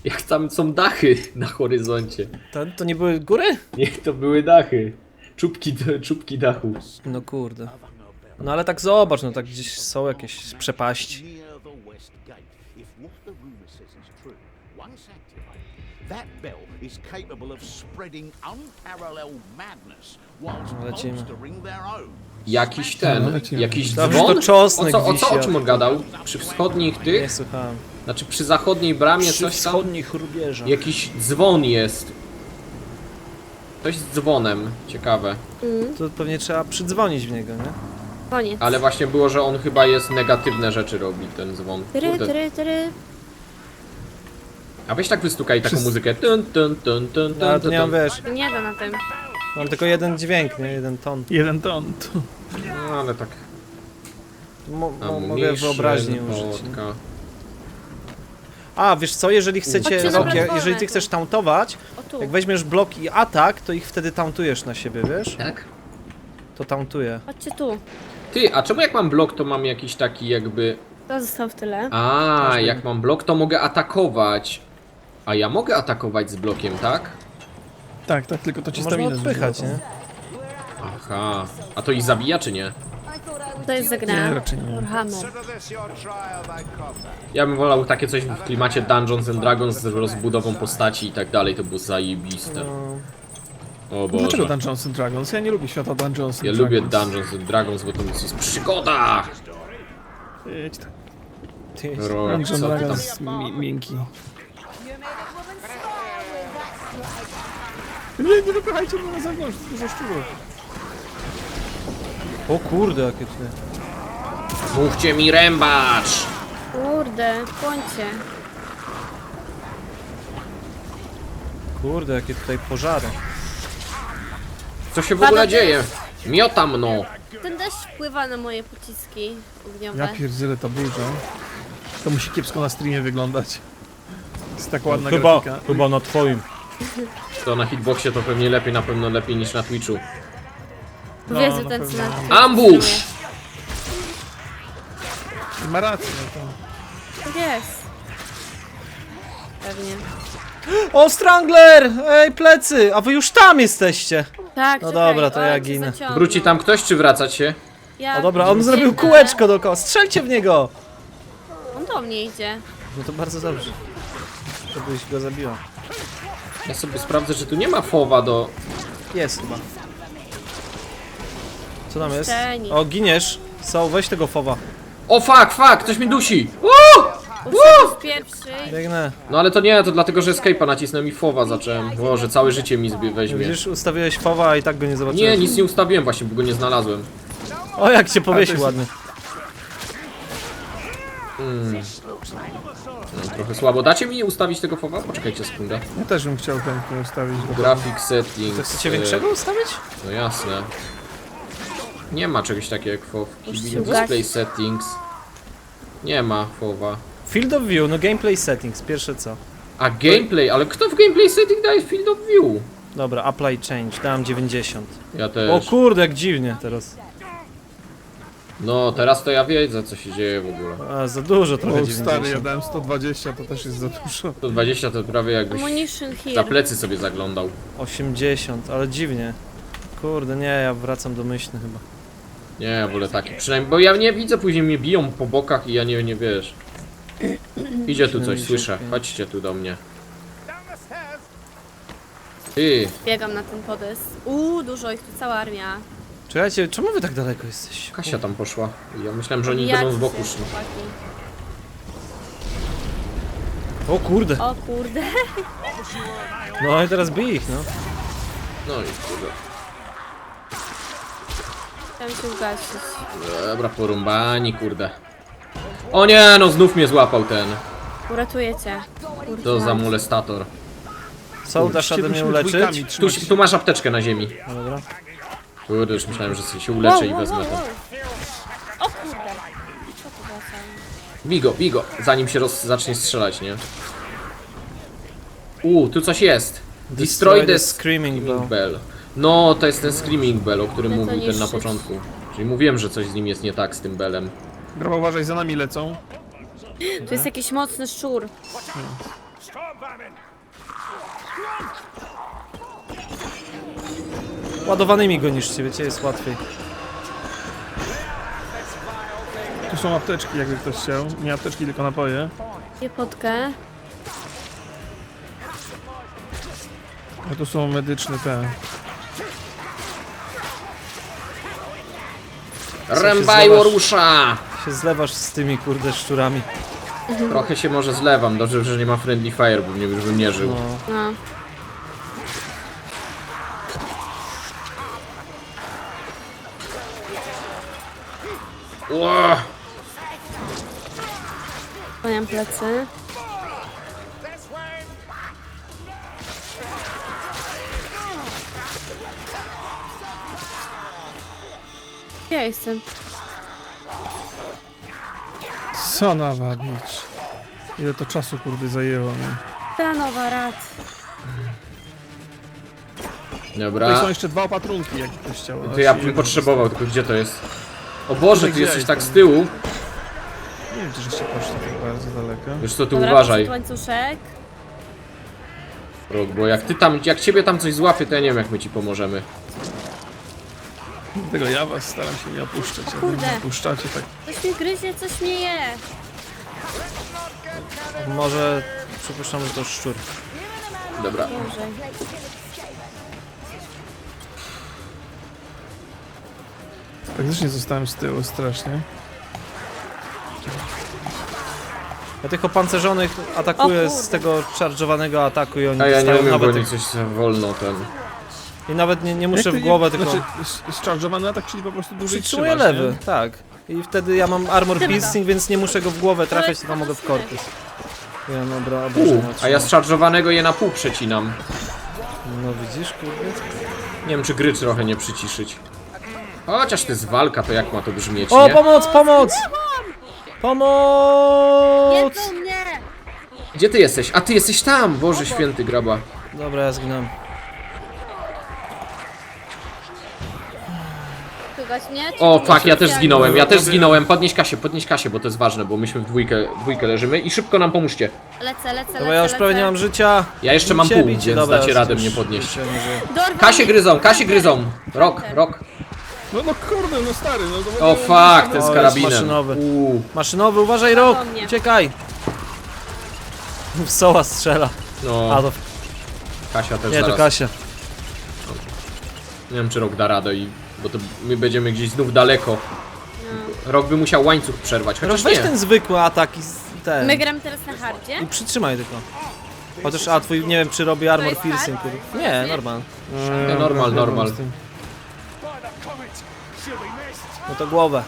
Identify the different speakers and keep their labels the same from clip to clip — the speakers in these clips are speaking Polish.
Speaker 1: Jak tam są dachy na horyzoncie.
Speaker 2: To nie były góry?
Speaker 1: Niech to były dachy. Czubki dachu.
Speaker 2: No kurde. No ale tak zobacz, no tak gdzieś są jakieś przepaści.
Speaker 3: Near the west gate. If what the rumor says is true, once activated, that bell is capable of spreading unparalleled madness whilst
Speaker 2: Lecimy.
Speaker 3: bolstering their own.
Speaker 1: Jakiś jakiś
Speaker 2: Dobrze,
Speaker 1: dzwon?
Speaker 2: to czosnek
Speaker 1: o
Speaker 2: wisi,
Speaker 1: czym
Speaker 2: a-
Speaker 1: on gadał? Przy wschodnich
Speaker 2: Nie
Speaker 1: tych?
Speaker 2: słuchałem.
Speaker 1: Znaczy przy zachodniej bramie
Speaker 2: Przy
Speaker 1: coś tam?
Speaker 2: wschodnich rubieżach.
Speaker 1: Jakiś dzwon jest. Coś z dzwonem, ciekawe.
Speaker 2: To pewnie trzeba przydzwonić w niego, nie?
Speaker 4: Koniec.
Speaker 1: Ale właśnie było, że on chyba jest negatywne rzeczy robi, ten dzwon.
Speaker 4: Tyry,
Speaker 1: Kurde.
Speaker 4: tyry, tyry.
Speaker 1: A weź tak wystukaj taką muzykę. Tun, tun, tun, tun,
Speaker 2: No ale
Speaker 1: tun,
Speaker 2: to nie mam,
Speaker 1: tun.
Speaker 2: wiesz,
Speaker 4: Nie da na tym.
Speaker 2: mam tylko jeden dźwięk, nie? Jeden ton.
Speaker 5: Jeden ton.
Speaker 1: No ale tak.
Speaker 2: Mogę wyobraźnię użyć. Nie?
Speaker 1: wodka.
Speaker 2: A, wiesz co, jeżeli chcecie,
Speaker 4: Chodźcie na
Speaker 2: Rocky,
Speaker 4: platformę
Speaker 2: jeżeli ty
Speaker 4: tu.
Speaker 2: chcesz tauntować,
Speaker 4: O tu.
Speaker 2: jak weźmiesz blok i atak, to ich wtedy tauntujesz na siebie, wiesz?
Speaker 1: Tak?
Speaker 2: To tauntuje.
Speaker 4: Chodźcie tu.
Speaker 1: Ty, a czemu jak mam blok, to mam jakiś taki jakby...
Speaker 4: To został w tyle.
Speaker 1: A, jak mam blok, to mogę atakować. A ja mogę atakować z blokiem, tak?
Speaker 5: Tak, tak, tylko to ci
Speaker 2: Można
Speaker 5: staminę
Speaker 2: odpychać,
Speaker 5: zużywa.
Speaker 2: nie?
Speaker 1: Aha. A to ich zabija, czy nie?
Speaker 4: To jest
Speaker 5: Nie,
Speaker 4: zagrane.
Speaker 5: raczej nie.
Speaker 4: Warhammer.
Speaker 1: Ja bym wolał takie coś w klimacie Dungeons and Dragons z rozbudową postaci i tak dalej, to było zajebiste.
Speaker 2: No,
Speaker 1: O
Speaker 5: Dlaczego
Speaker 1: Boże.
Speaker 5: Dungeons and Dragons? Ja nie lubię świata Dungeons
Speaker 1: Ja
Speaker 5: and
Speaker 1: lubię
Speaker 5: Dragons.
Speaker 1: Dungeons and Dragons, bo to jest przygoda!
Speaker 5: Idź tak.
Speaker 2: ty,
Speaker 1: Rok,
Speaker 5: Dungeons
Speaker 1: co
Speaker 5: and
Speaker 1: ty tam?
Speaker 5: Dragons miękki. Nie wypychajcie mnie na zewnątrz, dużo szczurów.
Speaker 2: o kurde, jakie tutaj.
Speaker 1: Mówcie mi rębacz!
Speaker 4: Kurde, końcie.
Speaker 2: Kurde, jakie tutaj pożary.
Speaker 1: Co się w ogóle
Speaker 4: Pada
Speaker 1: dzieje? Miota mną!
Speaker 4: Ten deszcz wpływa na moje pociski ogniowe.
Speaker 5: Ja pierdzielę ta burza. To musi kiepsko na streamie wyglądać. Jest tak ładna
Speaker 2: Chyba,
Speaker 5: grafika.
Speaker 2: chyba na twoim.
Speaker 1: To na hitboxie to pewnie lepiej, na pewno lepiej niż na Twitchu.
Speaker 4: Powiedz,
Speaker 5: na
Speaker 4: ten
Speaker 5: pewno.
Speaker 4: co na
Speaker 1: Ambush!
Speaker 5: Ma rację, no to...
Speaker 4: Tak jest. Pewnie.
Speaker 2: O, Strangler! Ej, plecy! A wy już tam jesteście!
Speaker 4: Tak,
Speaker 2: No
Speaker 4: czekaj,
Speaker 2: dobra, to
Speaker 4: o,
Speaker 2: ja
Speaker 4: cię
Speaker 2: ginę.
Speaker 4: zaciągnął.
Speaker 1: Wróci tam ktoś, czy wracać się?
Speaker 4: Ja
Speaker 2: O dobra, on
Speaker 4: biegnę.
Speaker 2: zrobił kółeczko dookoła. Strzelcie w niego!
Speaker 4: On do mnie idzie.
Speaker 2: No to bardzo dobrze. Żebyś go zabiła.
Speaker 1: Ja sobie sprawdzę, czy tu nie ma fowa do...
Speaker 2: Jest chyba. Co tam jest?
Speaker 4: Jeszcze nic.
Speaker 2: O, giniesz. So, weź tego fowa.
Speaker 1: O fuck, ktoś mi dusi!
Speaker 4: Usiadł pierwszy.
Speaker 2: Biegnę.
Speaker 1: No ale to nie, to dlatego, że escape'a nacisnąłem i fowa zacząłem. Boże, całe życie mi weźmie.
Speaker 2: Widzisz, ustawiłeś fowa, a i tak go nie zobaczyłem.
Speaker 1: Nie, nic nie ustawiłem właśnie, bo go nie znalazłem.
Speaker 2: O, jak cię powiesił
Speaker 5: jest-
Speaker 2: ładnie.
Speaker 1: No, trochę słabo. Dacie mi ustawić tego fowa? Poczekajcie sekundę.
Speaker 5: Ja też bym chciał chętnie ustawić.
Speaker 1: Graphic settings.
Speaker 2: To chcecie większego ustawić?
Speaker 1: No jasne. Nie ma czegoś takiego jak FOV.
Speaker 4: się
Speaker 1: Display
Speaker 4: ugasi.
Speaker 1: settings. Nie ma FOVa.
Speaker 2: Field of view, no gameplay settings, pierwsze co.
Speaker 1: A gameplay, ale kto w gameplay setting daje field of view?
Speaker 2: Dobra, apply change, dałem 90.
Speaker 1: Ja
Speaker 2: O
Speaker 1: też.
Speaker 2: kurde, jak dziwnie teraz.
Speaker 1: No teraz to ja wiedzę, co się dzieje w ogóle.
Speaker 2: A, za dużo trochę
Speaker 5: O
Speaker 2: 90.
Speaker 5: stary, ja dałem 120, to też jest za dużo.
Speaker 1: 120 to prawie jakbyś
Speaker 4: Ammunition
Speaker 1: za
Speaker 4: here.
Speaker 1: plecy sobie zaglądał.
Speaker 2: 80, ale dziwnie. Kurde, nie, ja wracam domyślny chyba.
Speaker 1: Nie, ja wolę taki. Przynajmniej, bo ja nie widzę, później mnie biją po bokach i ja nie wiesz. Idzie tu coś, słyszę. Chodźcie tu do mnie. Ty,
Speaker 4: Biegam na ten podest. Dużo ich tu, cała armia.
Speaker 2: Czekajcie, czemu wy tak daleko jesteście?
Speaker 1: Kasia tam poszła. Ja myślałem, że oni
Speaker 4: Bijacie
Speaker 1: będą z boku
Speaker 4: się,
Speaker 1: szli.
Speaker 4: chłopaki.
Speaker 2: O kurde.
Speaker 4: O kurde.
Speaker 2: No i teraz bij ich, no.
Speaker 1: No i kurde.
Speaker 4: Chciałam się ugasić.
Speaker 1: Dobra, porumbani, kurde. O nie, no znów mnie złapał ten.
Speaker 4: Uratuję cię. Kurde.
Speaker 1: To za molestator.
Speaker 2: Co, dasz radę mnie uleczyć?
Speaker 1: Tu masz apteczkę na ziemi.
Speaker 2: No dobra.
Speaker 1: Kurde, już myślałem, że sobie się uleczę i wezmę to.
Speaker 4: O kurde. Co to za sam?
Speaker 1: Bij go, zanim się zacznie strzelać, nie? Tu coś jest. Destroy the
Speaker 2: Screaming Bell.
Speaker 1: Bell. No, to jest ten Screaming Bell, o którym
Speaker 4: Ale to
Speaker 1: mówił ten na
Speaker 4: niszczyć.
Speaker 1: początku. Czyli mówiłem, że coś z nim jest nie tak z tym belem.
Speaker 5: Groba, uważaj, za nami lecą.
Speaker 4: Tu jest jakiś mocny szczur.
Speaker 2: Ładowanymi go niszcie, wiecie, jest łatwiej.
Speaker 5: Tu są apteczki, jakby ktoś chciał. Nie apteczki, tylko napoje.
Speaker 4: Je potkę.
Speaker 5: A tu są medyczne te.
Speaker 1: Rębajło rusza!
Speaker 2: Się zlewasz z tymi kurde szczurami.
Speaker 1: Trochę się może zlewam, dobrze, że nie ma friendly fire, bo mnie już bym nie żył.
Speaker 2: No.
Speaker 4: No.
Speaker 1: Ło!
Speaker 4: Kłaniam plecy. Ja jestem.
Speaker 5: Co nawabić? Ile to czasu kurde zajęło mi.
Speaker 4: Ta nowa rad.
Speaker 5: Tutaj
Speaker 1: Dobra,
Speaker 5: są jeszcze 2 opatrunki, jak ktoś chciał.
Speaker 1: to ja bym potrzebował, tylko gdzie to jest? O Boże, ty jesteś tak z tyłu!
Speaker 5: Nie wiem, czy żeście poszli tak bardzo daleko.
Speaker 1: Wiesz co, tu
Speaker 4: Dobra,
Speaker 1: uważaj,
Speaker 4: poszedł łańcuszek.
Speaker 1: Rok, bo jak ciebie tam coś złapie, to ja nie wiem jak my ci pomożemy.
Speaker 5: Dlatego ja was staram się nie opuszczać. Jak
Speaker 4: Kurde.
Speaker 5: mnie opuszczacie, tak
Speaker 4: Coś mnie gryzie, coś mnie je.
Speaker 2: Może przypuszczam, że to szczur.
Speaker 1: Dobra.
Speaker 4: Boże.
Speaker 5: faktycznie zostałem z tyłu strasznie.
Speaker 2: Ja tych opancerzonych atakuję
Speaker 4: O
Speaker 2: z
Speaker 4: kurde.
Speaker 2: tego charge'owanego ataku i oni
Speaker 1: A ja nie
Speaker 2: dostają
Speaker 1: umiem, bo
Speaker 2: nawet
Speaker 1: nie
Speaker 2: tych,
Speaker 1: coś za wolno ten.
Speaker 2: i nawet nie muszę
Speaker 5: Jak to
Speaker 2: w głowę,
Speaker 5: nie,
Speaker 2: tylko
Speaker 5: Znaczy, zcharge'owany atak, czyli po prostu dłużej
Speaker 2: przytrzymuję
Speaker 5: trzymasz,
Speaker 2: lewy,
Speaker 5: nie?
Speaker 2: tak. I wtedy ja mam armor
Speaker 4: Dobra.
Speaker 2: piercing, więc nie muszę go w głowę trafiać, tylko mogę w korpus. Ja mam obrażenia
Speaker 1: A ja
Speaker 2: otrzymam.
Speaker 1: z charge'owanego je na pół przecinam.
Speaker 2: No widzisz, kurde?
Speaker 1: Nie wiem, czy gry trochę nie przyciszyć. Chociaż to jest walka, to jak ma to brzmieć,
Speaker 2: O,
Speaker 1: nie?
Speaker 2: pomoc, pomoc! Pomoc!
Speaker 4: Jedzą mnie!
Speaker 1: Gdzie ty jesteś? A ty jesteś tam! Boże święty, graba.
Speaker 2: Dobra, ja zginąłem.
Speaker 4: Słychać mnie? Czy
Speaker 1: O,
Speaker 4: nie?
Speaker 1: fuck, ja też
Speaker 4: Specjalnie.
Speaker 1: zginąłem, ja też zginąłem. Podnieś Kasię, bo to jest ważne, bo myśmy w dwójkę leżymy i szybko nam pomóżcie.
Speaker 4: Lecę.
Speaker 2: Dobra, ja już prawie nie mam życia.
Speaker 1: Ja jeszcze mam
Speaker 2: Bicie,
Speaker 1: pół,
Speaker 2: bicie.
Speaker 1: więc
Speaker 2: Dobra,
Speaker 1: dacie
Speaker 2: ja
Speaker 1: radę
Speaker 2: już
Speaker 1: mnie podnieść.
Speaker 2: życia nie żyję.
Speaker 4: Dorwam
Speaker 1: Kasię gryzą! Rok.
Speaker 5: No kurde, no stary, no to
Speaker 1: O fuck, ten
Speaker 2: O,
Speaker 1: z
Speaker 2: jest
Speaker 1: karabinem.
Speaker 2: maszynowy.
Speaker 1: Uuu,
Speaker 2: Maszynowy, uważaj, Rok!
Speaker 4: mnie.
Speaker 2: Uciekaj! W soła strzela. A
Speaker 1: no,
Speaker 2: to
Speaker 1: Kasia też
Speaker 2: nie, to
Speaker 1: zaraz.
Speaker 2: Kasia.
Speaker 1: Nie wiem, czy Rok da radę, bo to my będziemy gdzieś znów daleko. Rok by musiał łańcuch przerwać, chociaż
Speaker 2: Weź
Speaker 1: nie.
Speaker 2: ten zwykły atak i ten.
Speaker 4: My gramy teraz na hardzie?
Speaker 2: I przytrzymaj tylko. Chociaż, a twój, nie wiem, czy robi armor
Speaker 4: jest
Speaker 2: piercing.
Speaker 4: hard?
Speaker 2: kurde. Nie, normal.
Speaker 1: Nie, normal.
Speaker 2: No to głowę.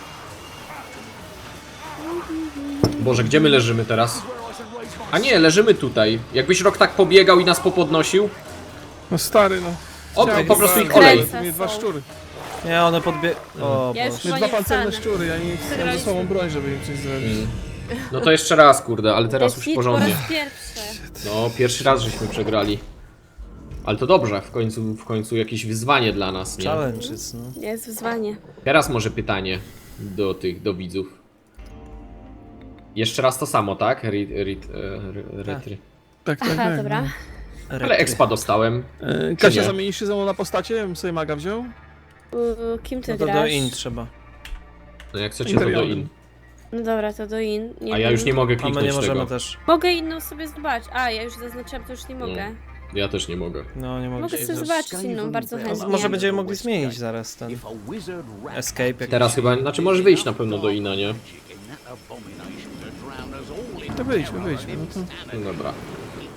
Speaker 1: Boże, gdzie my leżymy teraz? A nie, leżymy tutaj. Jakbyś Rok tak pobiegał i nas popodnosił.
Speaker 5: No stary, no.
Speaker 1: O,
Speaker 5: Chciałem
Speaker 1: po prostu ich
Speaker 5: bardzo.
Speaker 1: kolej.
Speaker 5: Mnie 2 szczury.
Speaker 2: Nie, one podbie... O
Speaker 4: Ja już
Speaker 2: Boże.
Speaker 5: Mnie
Speaker 4: chyba
Speaker 5: 2
Speaker 4: nie
Speaker 5: pancerne
Speaker 4: wstanę.
Speaker 5: szczury, ja nie mam ze sobą broń, żeby im coś zrobić.
Speaker 1: No to jeszcze raz, kurde, ale teraz już
Speaker 4: Hit po
Speaker 1: porządnie.
Speaker 4: raz pierwszy.
Speaker 1: No, pierwszy raz żeśmy przegrali. Ale to dobrze, w końcu jakieś wyzwanie dla nas, nie?
Speaker 2: Challenges, no.
Speaker 4: Jest wyzwanie.
Speaker 1: Teraz może pytanie do widzów. Jeszcze raz to samo, tak? Retry.
Speaker 5: Tak, tak,
Speaker 4: Aha,
Speaker 5: tak.
Speaker 4: dobra.
Speaker 1: Ale expa dostałem.
Speaker 5: Kasia,
Speaker 1: nie?
Speaker 5: zamienisz się ze mną na postacie? Ja bym sobie maga wziął?
Speaker 4: Kim ty
Speaker 2: No to
Speaker 4: grasz?
Speaker 2: do in trzeba.
Speaker 1: No jak chcecie, to do
Speaker 5: Interiorem.
Speaker 1: in.
Speaker 4: No dobra, to do in. Nie
Speaker 1: A ja
Speaker 4: wiem.
Speaker 1: już nie mogę
Speaker 2: A my nie
Speaker 1: kliknąć
Speaker 2: możemy
Speaker 1: tego.
Speaker 2: też.
Speaker 4: Mogę inną sobie zobaczyć. A, ja już zaznaczyłam, to już nie mogę.
Speaker 1: Ja też nie mogę.
Speaker 2: No, nie mogę.
Speaker 4: Mogę sobie zobaczyć inną, bardzo chętnie.
Speaker 2: Może będziemy mogli zmienić zaraz ten
Speaker 3: If a wizard ran
Speaker 2: escape jakiś.
Speaker 1: Teraz chyba, znaczy możesz wyjść na pewno do ina, nie?
Speaker 3: in that abomination to drown us all in
Speaker 5: To wyjdźmy. No to...
Speaker 1: No dobra.